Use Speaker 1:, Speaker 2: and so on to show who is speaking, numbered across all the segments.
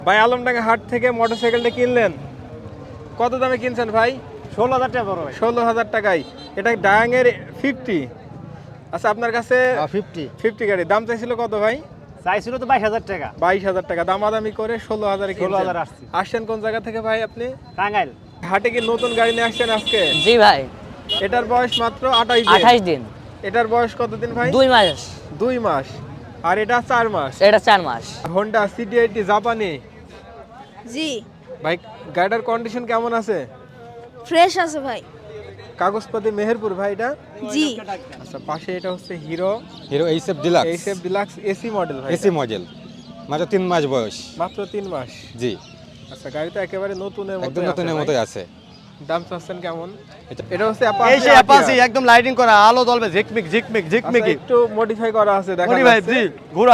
Speaker 1: ভাই আলমডাঙ্গা হাট থেকে মোটরসাইকেলটা কিনলেন, কত দামে কিনছেন ভাই?
Speaker 2: 16,000 টাকা বড় ভাই।
Speaker 1: 16,000 টাকায়। এটা ডায়াঙের 50। আচ্ছা, আপনার কাছে
Speaker 2: 50
Speaker 1: 50 গাড়ি দাম চাইছিল কত ভাই?
Speaker 2: চাইছিল তো 22,000 টাকা।
Speaker 1: 22,000 টাকা দামাদামি করে 16,000
Speaker 2: 16,000 আসছে।
Speaker 1: আসছেন কোন জায়গা থেকে ভাই আপনি?
Speaker 2: টাঙ্গাইল।
Speaker 1: হাটে কি নতুন গাড়ি নিয়ে আসছেন আজকে?
Speaker 3: জি ভাই,
Speaker 1: এটার বয়স মাত্র 28 দিন।
Speaker 3: 28 দিন,
Speaker 1: এটার বয়স কতদিন ভাই?
Speaker 3: 2 মাস।
Speaker 1: 2 মাস। আর এটা 4 মাস।
Speaker 3: এটা 4 মাস।
Speaker 1: হোন্ডা সিটি80 জাপানি।
Speaker 4: জি,
Speaker 1: ভাই গাড়িটার কন্ডিশন কেমন আছে?
Speaker 4: ফ্রেশ আছে ভাই।
Speaker 1: কাগজপত্র মেহেরপুর ভাই এটা?
Speaker 4: জি,
Speaker 1: আচ্ছা, পাশে এটা হচ্ছে Hero
Speaker 5: Hero HF Deluxe
Speaker 1: HF Deluxe AC model ভাই।
Speaker 5: এসি মডেল, মাত্র 3 মাস বয়স।
Speaker 1: মাত্র 3 মাস।
Speaker 5: জি,
Speaker 1: আচ্ছা, গাড়িটা একেবারে নতুনের মতো।
Speaker 5: একদম নতুনের মতোই আছে।
Speaker 1: দাম চাচ্ছেন কেমন?
Speaker 5: এটা-
Speaker 1: এটা হচ্ছে
Speaker 2: এই যে অ্যাপাচি একদম লাইটিং করা, আলো জ্বলবে ঝিকমিক ঝিকমিক ঝিকমিকি।
Speaker 1: একটু মডিফাই করা আছে দেখা
Speaker 2: মনি ভাই
Speaker 1: যাচ্ছে।
Speaker 2: জি, ঘোড়া।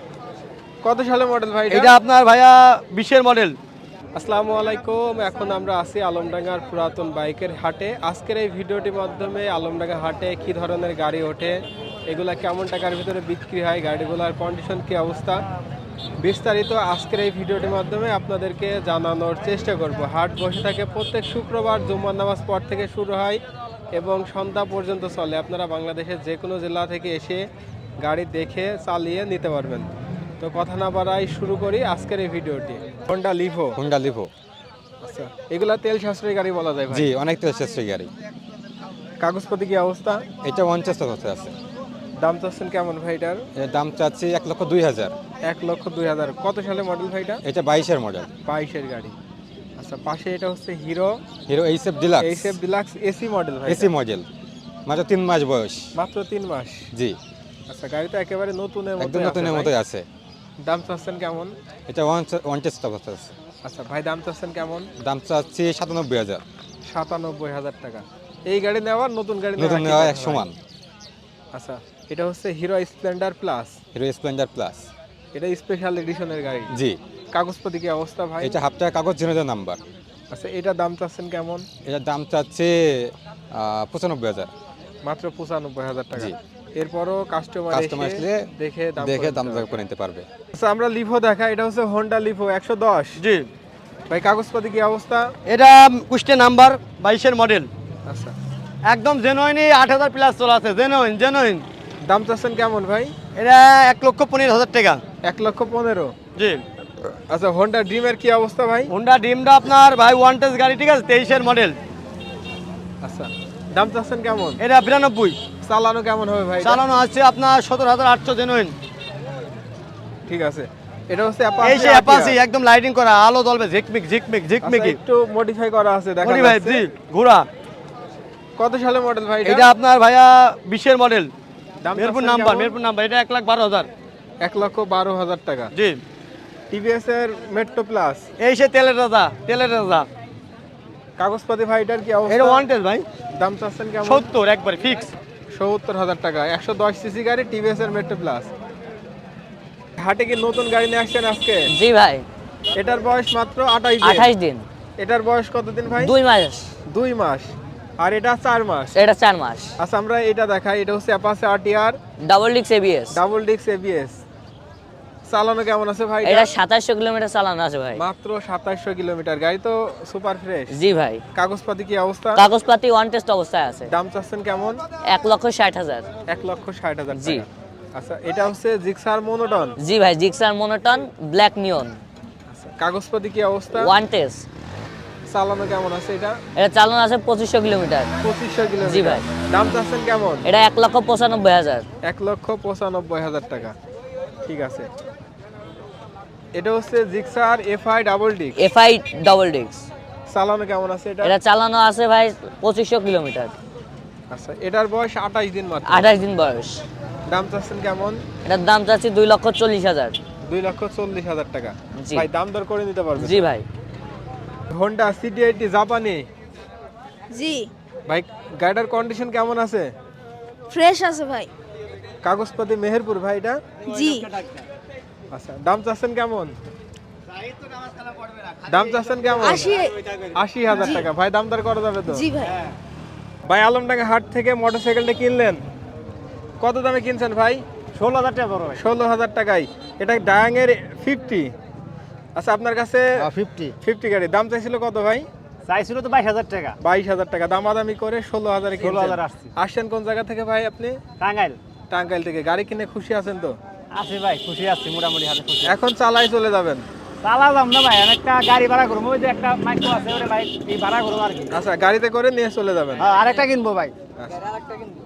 Speaker 1: কত সালের মডেল ভাই
Speaker 2: এটা আপনার ভাইয়া 20 এর মডেল।
Speaker 1: আসসালামু আলাইকুম। এখন আমরা আছি আলমডাঙ্গার পুরাতন বাইকের হাটে। আজকের এই ভিডিওটির মাধ্যমে আলমডাঙ্গা হাটে কি ধরনের গাড়ি ওঠে, এগুলা কেমন টাকার ভিতরে বিক্রি হয়, গাড়িগুলোর কন্ডিশন কি অবস্থা, বিস্তারিত আজকের এই ভিডিওটির মাধ্যমে আপনাদেরকে জানানোর চেষ্টা করব। হাট বসে থাকে প্রত্যেক শুক্রবার, জুম্মার নামাজ পর থেকে শুরু হয় এবং সন্ধ্যা পর্যন্ত চলে। আপনারা বাংলাদেশের যে কোনো জেলা থেকে এসে গাড়ি দেখে চালিয়ে নিতে পারবেন। তো কথা না বাড়াই শুরু করি আজকের এই ভিডিওটি। Honda Livo.
Speaker 5: Honda Livo.
Speaker 1: আচ্ছা, এগুলা তেল সাশ্রয়ী গাড়ি বলা যায় ভাই?
Speaker 5: জি, অনেক তেল সাশ্রয়ী গাড়ি।
Speaker 1: কাগজপত্র কি অবস্থা?
Speaker 5: এটা 50 হতে আছে।
Speaker 1: দাম চাচ্ছেন কেমন ভাই এটার?
Speaker 5: এর দাম চাচ্ছি 1,02,000।
Speaker 1: 1,02,000। কত সালে মডেল ভাই এটা?
Speaker 5: এটা 22-এর মডেল।
Speaker 1: 22-এর গাড়ি। আচ্ছা, পাশে এটা হচ্ছে Hero
Speaker 5: Hero HF Deluxe
Speaker 1: HF Deluxe AC model ভাই?
Speaker 5: এসি মডেল, মাত্র 3 মাস বয়স।
Speaker 1: মাত্র 3 মাস।
Speaker 5: জি,
Speaker 1: আচ্ছা, গাড়িটা একেবারে নতুনের মতো।
Speaker 5: একদম নতুনের মতোই আছে।
Speaker 1: দাম চাচ্ছেন কেমন?
Speaker 5: এটা 1 হতে আছে।
Speaker 1: আচ্ছা ভাই, দাম চাচ্ছেন কেমন?
Speaker 5: দাম চাচ্ছি 97,000।
Speaker 1: 97,000 টাকা। এই গাড়ি নেওয়ার নতুন গাড়ি
Speaker 5: নতুন
Speaker 1: একই
Speaker 5: নেওয়া
Speaker 1: দাম
Speaker 5: এক
Speaker 1: ভাই?
Speaker 5: সমান।
Speaker 1: আচ্ছা, এটা হচ্ছে Hero Splendor Plus.
Speaker 5: Hero Splendor Plus.
Speaker 1: এটা স্পেশাল এডিশনের গাড়ি।
Speaker 5: জি,
Speaker 1: কাগজপত্র কি অবস্থা ভাই?
Speaker 5: এটা হাফ টাকা কাগজ জেনারেল নাম্বার।
Speaker 1: আচ্ছা, এটা দাম চাচ্ছেন কেমন?
Speaker 5: এটার দাম চাচ্ছে 95,000।
Speaker 1: মাত্র 95,000 টাকা।
Speaker 5: জি।
Speaker 1: এরপরও কাস্টমার
Speaker 5: কাস্টমার আসলে
Speaker 1: দেখে দাম
Speaker 5: দেখে
Speaker 1: করে
Speaker 5: দাম
Speaker 1: দিতে
Speaker 5: করে নিতে পারবে।
Speaker 1: আচ্ছা, আমরা লিভো দেখা। এটা হচ্ছে হোন্ডা লিভো 110।
Speaker 2: জি,
Speaker 1: ভাই কাগজপত্র কি অবস্থা?
Speaker 2: এটা কুষ্টে নাম্বার 22 এর মডেল।
Speaker 1: আচ্ছা,
Speaker 2: একদম জেনুইন, 8,000 প্লাস চলা আছে। জেনুইন।
Speaker 1: দাম চাচ্ছেন কেমন ভাই?
Speaker 2: এটা 1,15,000 টাকা।
Speaker 1: 1,15,000।
Speaker 2: জি,
Speaker 1: আচ্ছা, হোন্ডা ড্রিমের কি অবস্থা ভাই?
Speaker 2: হোন্ডা ড্রিমটা আপনার ভাই ওয়ান টেস্ট গাড়ি, ঠিক আছে, 23 এর মডেল।
Speaker 1: আচ্ছা, দাম চাচ্ছেন কেমন?
Speaker 2: এটা 92।
Speaker 1: চালানো কেমন হবে ভাই এটা?
Speaker 2: চালানো আছে আপনার 17,800 জেনুইন।
Speaker 1: ঠিক আছে। এটা হচ্ছে
Speaker 2: এই যে অ্যাপাচি একদম লাইটিং করা, আলো জ্বলবে ঝিকমিক ঝিকমিক ঝিকমিকি।
Speaker 1: একটু মডিফাই করা আছে দেখা
Speaker 2: মনি ভাই
Speaker 1: যাচ্ছে।
Speaker 2: জি, ঘোড়া।
Speaker 1: কত সালের মডেল ভাই
Speaker 2: এটা আপনার ভাইয়া 20 এর মডেল।
Speaker 1: দাম
Speaker 2: মেরপুর
Speaker 1: চাচ্ছেন
Speaker 2: নাম্বার,
Speaker 1: কেমন?
Speaker 2: মেরপুর নাম্বার। এটা 1,12,000।
Speaker 1: 1,12,000 টাকা।
Speaker 2: জি,
Speaker 1: টিভিএস এর মেট্রো প্লাস।
Speaker 2: এই সে তেলের রাজা, তেলের রাজা।
Speaker 1: কাগজপত্র ভাই এটার কি
Speaker 2: এটা
Speaker 1: অবস্থা?
Speaker 2: ওয়ান টেস্ট ভাই।
Speaker 1: দাম চাচ্ছেন কেমন?
Speaker 2: 70 একবারে ফিক্স।
Speaker 1: 70,000 টাকা। 110 সিসি গাড়ি, টিভিএস এর মেট্রো প্লাস। হাটে কি নতুন গাড়ি নিয়ে আসছেন আজকে?
Speaker 3: জি ভাই,
Speaker 1: এটার বয়স মাত্র 28 দিন।
Speaker 3: 28 দিন,
Speaker 1: এটার বয়স কতদিন ভাই?
Speaker 3: 2 মাস।
Speaker 1: 2 মাস। আর এটা 4 মাস।
Speaker 3: এটা 4 মাস।
Speaker 1: আচ্ছা, আমরা এটা দেখাই। এটা হচ্ছে অ্যাপাচি আরটিআর
Speaker 3: ডাবল ডিক্স এবিএস।
Speaker 1: Double disc ABS. চালানো কেমন আছে ভাই?
Speaker 3: এটা 2700 কিলোমিটার চালানো আছে ভাই।
Speaker 1: মাত্র 2700 কিলোমিটার। গাড়ি তো সুপার ফ্রেশ।
Speaker 3: জি ভাই,
Speaker 1: কাগজপাতি কি অবস্থা?
Speaker 3: কাগজপাতি ওয়ান টেস্ট অবস্থায় আছে।
Speaker 1: দাম চাচ্ছেন কেমন?
Speaker 3: 1,60,000।
Speaker 1: 1,60,000
Speaker 3: জি।
Speaker 1: টাকা। আচ্ছা, এটা হচ্ছে জিক্সার মোনোটন।
Speaker 3: জি ভাই, জিক্সার মনোটন ব্ল্যাক নিয়ন
Speaker 1: আচ্ছা, কাগজপাতি কি অবস্থা?
Speaker 3: One test.
Speaker 1: চালানো কেমন আছে এটা?
Speaker 3: এটা চালানো আছে 2500 কিলোমিটার।
Speaker 1: 2500 কিলোমিটার।
Speaker 3: জি ভাই।
Speaker 1: দাম চাচ্ছেন কেমন?
Speaker 3: এটা 1,95,000।
Speaker 1: 1,95,000 টাকা। ঠিক আছে। এটা হচ্ছে Gixxer FI double disc.
Speaker 3: FI double ডিক্স।
Speaker 1: চালানো কেমন আছে এটা?
Speaker 3: এটা চালানো আছে ভাই 2500 কিলোমিটার।
Speaker 1: আচ্ছা, এটার বয়স 28 দিন মাত্র।
Speaker 3: 28 দিন বয়স।
Speaker 1: দাম চাচ্ছেন কেমন?
Speaker 3: এটার দাম চাচ্ছি 2,40,000।
Speaker 1: 2,40,000 টাকা।
Speaker 3: জি।
Speaker 1: ভাই দাম দর করে নিতে পারবেন?
Speaker 3: জি ভাই,
Speaker 1: হোন্ডা সিটি80 জাপানি।
Speaker 4: জি,
Speaker 1: ভাই গাড়িটার কন্ডিশন কেমন আছে?
Speaker 4: ফ্রেশ আছে ভাই।
Speaker 1: কাগজপত্র মেহেরপুর ভাই এটা?
Speaker 4: জি,
Speaker 1: আচ্ছা, দাম চাচ্ছেন কেমন? দাম চাচ্ছেন কেমন? 80,000 টাকা। ভাই দাম দর করা যাবে তো?
Speaker 4: জি ভাই।
Speaker 1: ভাই আলমডাঙ্গা হাট থেকে মোটরসাইকেলটা কিনলেন, কত দামে কিনছেন ভাই?
Speaker 2: 16,000 টাকা বড় ভাই।
Speaker 1: 16,000 টাকায়। এটা ডায়াঙের 50। আচ্ছা আপনার কাছে
Speaker 2: 50
Speaker 1: 50 গাড়ি দাম চাইছিল কত ভাই?
Speaker 2: চাইছিল তো 22,000 টাকা।
Speaker 1: 22,000 টাকা দামাদামি করে 16,000 এ
Speaker 2: 16,000 আসছে।
Speaker 1: আসছেন কোন জায়গা থেকে ভাই আপনি?
Speaker 2: টাঙ্গাইল।
Speaker 1: টাঙ্গাইল থেকে। গাড়ি কিনে খুশি আছেন তো?
Speaker 2: আছি ভাই, খুশি আছি মোটামুটি হাতে খুশি।
Speaker 1: এখন চালাই চলে যাবেন?
Speaker 2: চালালাম না ভাই, একটা গাড়ি ভাড়া করবো, ওই যে একটা মাইক্রো আছে ওটা ভাই এই ভাড়া করবো আর কি।
Speaker 1: আচ্ছা গাড়িতে করে নিয়ে চলে যাবেন?
Speaker 2: আরেকটা কিনবো ভাই।
Speaker 1: আচ্ছা।